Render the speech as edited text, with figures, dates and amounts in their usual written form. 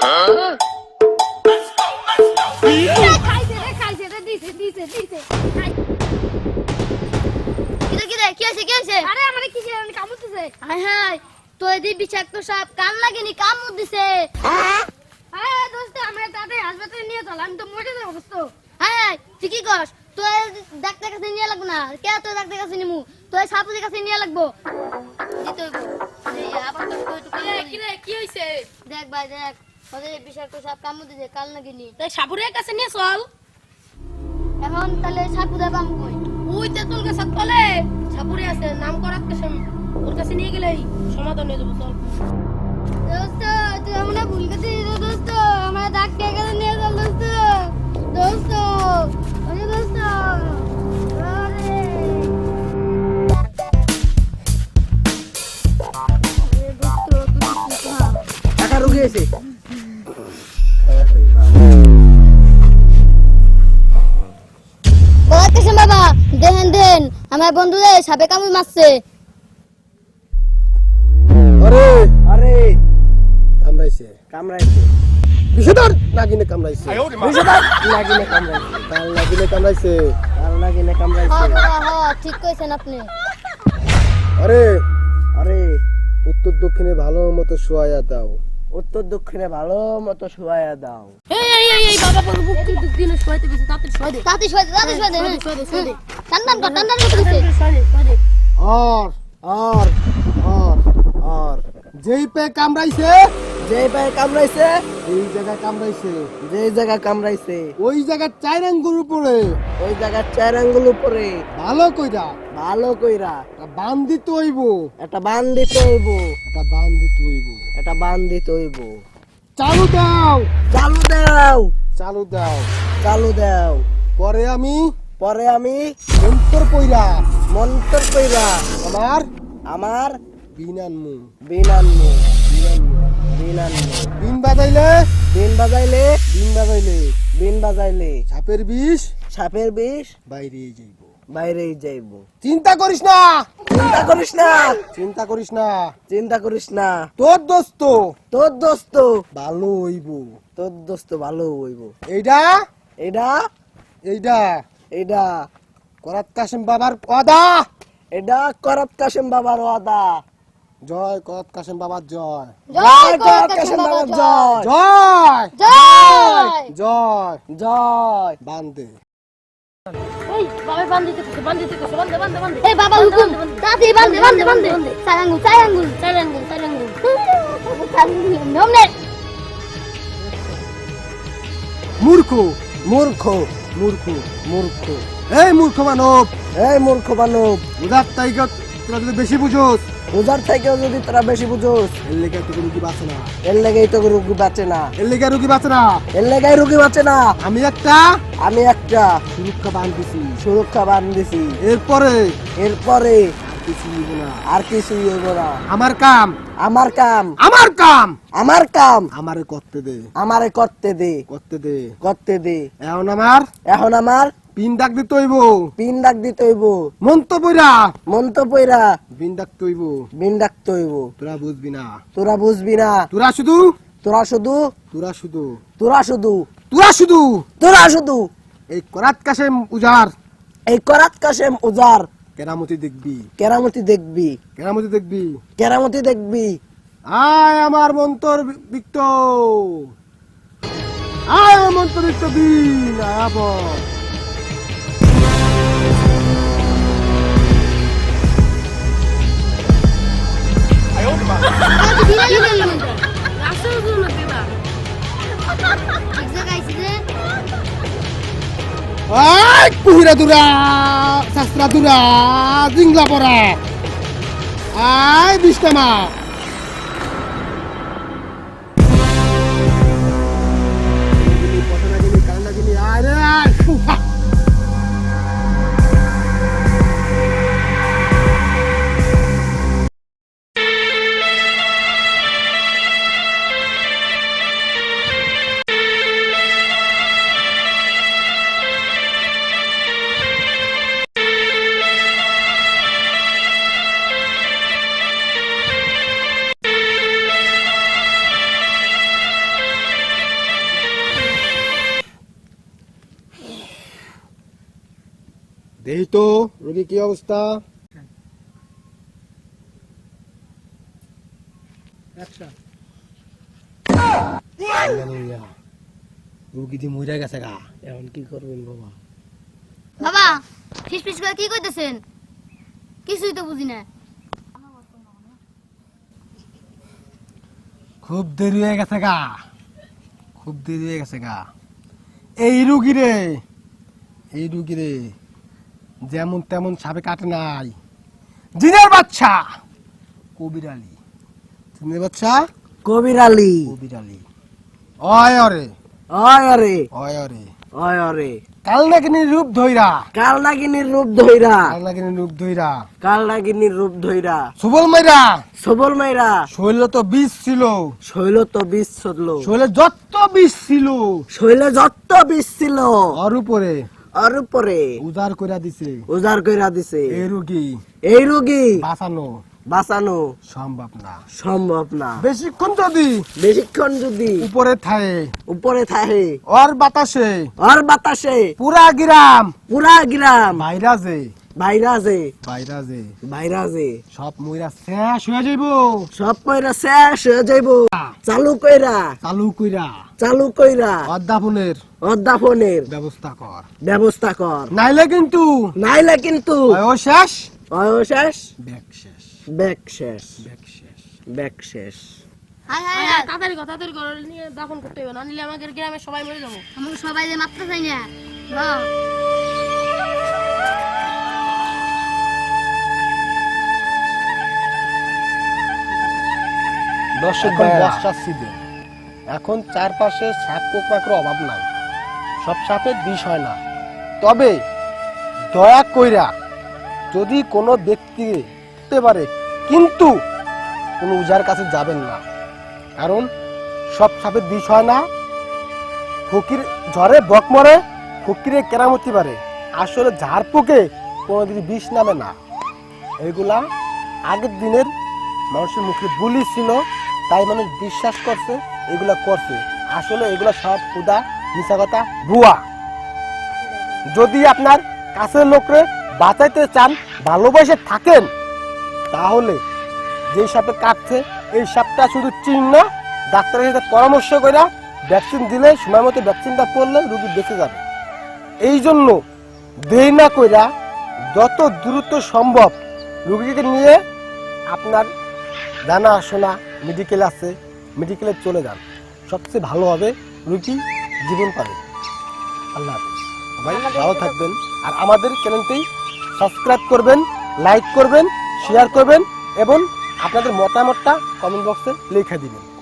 বিষাক্ত সাপ কান লাগেনি কামড় দিছে। দোস্ত আমার তাতে হাসপাতালে নিয়ে চল, আমি তো মরে যাবো দোস্ত। তুই কি কস? তোর ডাক্তার কাছে নিয়ে লাগবো না, কে তোর ডাক্তার কাছে নিমু? তোর সাপুদের কাছে নিয়ে লাগবো। কি হইছে? দেখ ভাই দেখ, ওদের বিষাক্ত সাপ কামড় দিছে, কান লাগেনি। তাই সাপুরের কাছে নিয়ে চল। এখন তাহলে সাপুদা বাম কই? ওই তেতুল গাছের তলে সাপুরে আছে, নাম করার কাছে ওর কাছে নিয়ে গেলেই সমাধান হয়ে যাবো। চল দোস্ত, তুই আমরা ভুল করছিস দোস্ত, আমরা ডাক্তার কাছে নিয়ে চল দোস্ত। দোস্ত ওরে দোস্ত, আরে টাকা রুগী আছে। বাবা দেন দেন, আমার বন্ধুদের সাপে কামড় মারছে। আরে আরে কামড়াইছে কামড়াইছে, বিষধর নাগিনে কামড়াইছে, বিষধর নাগিনে কামড়াইছে, কাল নাগিনে কামড়াইছে, কাল নাগিনে কামড়াইছে। হ্যাঁ ঠিক কইছেন আপনি। আরে আরে উত্তর দক্ষিণে ভালো মতো শোয়ায়া দাও, উত্তর দক্ষিণে ভালো মতো শোয়ায়া দাও। এই বাবা বাবু বুক দিনে শোয়াইতে গেছে, তাতে শোয়া দে, তাতে শোয়া দে। টান কর দিছে। আর আর আর আর যেই পে কামড়াইছে, যেই পে কামড়াইছে, এই জায়গা কামড়াইছে, যেই জায়গা কামড়াইছে ওই জায়গা চার আঙ্গুল উপরে, ওই জায়গা চার আঙ্গুল উপরে ভালো কইরা, ভালো কইরা এটা বান দিতে হইব, এটা বান দিতে হইব, এটা বান দিতে হইব, এটা বান দিতে হইব। চালু দাও, চালু দাও, চালু দাও, চালু দাও। পরে আমি মন্তর কইরা, মন্তর কইরা আমার আমার বিন আনমু, বিন আনমু, বিন আনমু, বিন আনমু। বিন বাজাইলে, বিন বাজাইলে, বিন বাজাইলে, বিন বাজাইলে সাপের বিষ, সাপের বিষ বাইরেই যাইব, বাইরেই যাইব। চিন্তা করিস না, চিন্তা করিস না, চিন্তা করিস না, চিন্তা করিস না। তোর দোস্ত, তোর দোস্ত ভালো হইব, তোর দোস্ত ভালো হইব। এইটা এইটা এইটা এইটা করাত কাসেম বাবার ওয়াদা, এটা করাত কাসেম বাবার ওয়াদা। জয় করাত কাসেম বাবার জয়, জয় করাত কাসেম বাবার জয়, জয় জয় জয় জয়। বান্দে এই বাবা বান্ধিতে কইছে, বান্ধিতে কইছে, বান্ধে বান্ধে বান্ধে। এই বাবা হুকুম, তাতে বান্ধে। চার আঙ্গুল। নমনে মূর্খ মূর্খ মূর্খ মূর্খ, এই মূর্খ মানব, এই মূর্খ মানব। উদার তাইকে তোরা যদি বেশি বুঝোস, উদার থেকেও যদি তোরা বেশি বুঝোস, এর লেগে তো রুগী বাঁচে না, এর লেগেই তো রুগী বাঁচে না, এর লেগে রুগী বাঁচে না, এর লেগেই রুগী বাঁচে না। আমি একটা সুরক্ষা বান দিছি, সুরক্ষা বান দিছি। এরপরে আর কিছুই হইব না। আমার কাম, আমার কাম, আমার কাম, আমার কাম আমারে করতে দে, আমারে করতে দে, করতে দে, করতে দে। এখন আমার পিন ডাক দিতে হইব, পিন ডাক দিতে হইব। মন্ত পয়রা বিন ডাকতে হইব, বিন ডাকতে হইব। তোরা বুঝবি না, তোরা বুঝবি না। তোরা শুধু এই করাত কাসেম উজার, এই করাত কাসেম উজার কেরামতি দেখবি, কেরামতি দেখবি, কেরামতি দেখবি, কেরামতি দেখবি। আয় আমার মন্তর বিক্ত, আয় আমার মন্তর বিক্ত দিন আবার। কুহিরা দুরা, শাস্ত্রা দুরা, জিংলা পড়া, আয় বিষ্টামা। দেখি তো রোগী কি অবস্থা। রোগী দিয়ে মরে গেছে গা, এখন কি করবেন বাবা? বাবা ফিস ফিস করে কি কইতেছেন? কিছুই তো বুঝি না। খুব দেরি হয়ে গেছে গা, খুব দেরি হয়ে গেছে গা। এই রুগী রে যেমন তেমন সাপে কাটে নাই, জিনের বাচ্চা কবির আলী। জিনের বাচ্চা কবির আলী। কবির আলী। অয় অরে অয় আরে অয় অরে অয় আরে কাল নাগিনীর রূপ ধইরা, কাল নাগিনীর রূপ ধইরা, কাল নাগিনীর রূপ ধইরা কাল নাগিনীর রূপ ধইরা, সুবল মাইরা সবল মাইরা শৈল তো বিষ ছিল, শৈল তো বিষ ছড়ল, শৈলে যত বিষ ছিল শৈলে যত বিষ ছিল ওর উপরে আর উপরে উজাড় কইরা দিছে। উজাড় কইরা দিছে। এই রোগী এই রোগী বাঁচানো বাঁচানো সম্ভব না। সম্ভব না। বেশিক্ষণ যদি বেশিক্ষণ যদি উপরে থাকে, উপরে থাকে ওর বাতাসে আর বাতাসে পুরা গ্রাম পুরা গ্রাম ভাইরাসে ভাইরাসে ভাইরাসে ভাইরাসে সব মইরা শেষ হয়ে যাইব। সব কইরা শেষ হয়ে যাইব। চালু কইরা চালু কইরা চালু কইরা অধ্যাপনের অধ্যাপনের ব্যবস্থা কর, ব্যবস্থা কর। নাইলে কিন্তু নাইলে কিন্তু ও শেষ শেষ ব্যাগ শেষ ব্যাগ শেষ ব্যাগ শেষ। ব্যাগ শেষ। হায় হায় হায়, তাড়াতাড়ি ঘর নিয়ে দাফন করতে হবে, না নিলে আমাদের গ্রামে সবাই মরে যাবো। আমাকে সবাই যে মারতে চাই না। বাহ। দর্শক বর্ষার সিজন, এখন চারপাশে সাপ পোকার অভাব নাই, সব সাপের বিষ হয় না। তবে দয়া কইরা যদি কোনো ব্যক্তি হতে পারে, কিন্তু কোনো উজার কাছে যাবেন না, কারণ সব সাপের বিষ হয় না। ফকির ঝড়ে বক মরে, ফকিরে কেরামতি পারে, আসলে ঝাড় পোকে কোনোদিন বিষ নামে না। এগুলা আগের দিনের মানুষের মুখে বুলি ছিল, তাই মানুষ বিশ্বাস করছে, এগুলা করছে। আসলে এগুলা সব খুদা মিছা কথা, ভুয়া। যদি আপনার কাছের লোকরে বাঁচাইতে চান, ভালোবাসে থাকেন, তাহলে যে সাপে কাটছে এই সাপটা শুধু চিহ্ন, ডাক্তারের সাথে পরামর্শ করে ভ্যাকসিন দিলে, সময় মতো ভ্যাকসিনটা করলে রোগী বেঁচে যাবে। এই জন্য দেরি না কইরা যত দ্রুত সম্ভব রোগীকে নিয়ে আপনার জানাশোনা মেডিকেল আছে, মেডিকেলে চলে যান, সবচেয়ে ভালো হবে, রোগী জীবন পাবে। আল্লাহ হাফেজ, সবাই ভালো থাকবেন। আর আমাদের চ্যানেলটি সাবস্ক্রাইব করবেন, লাইক করবেন, শেয়ার করবেন এবং আপনাদের মতামতটা কমেন্ট বক্সে লিখে দিবেন।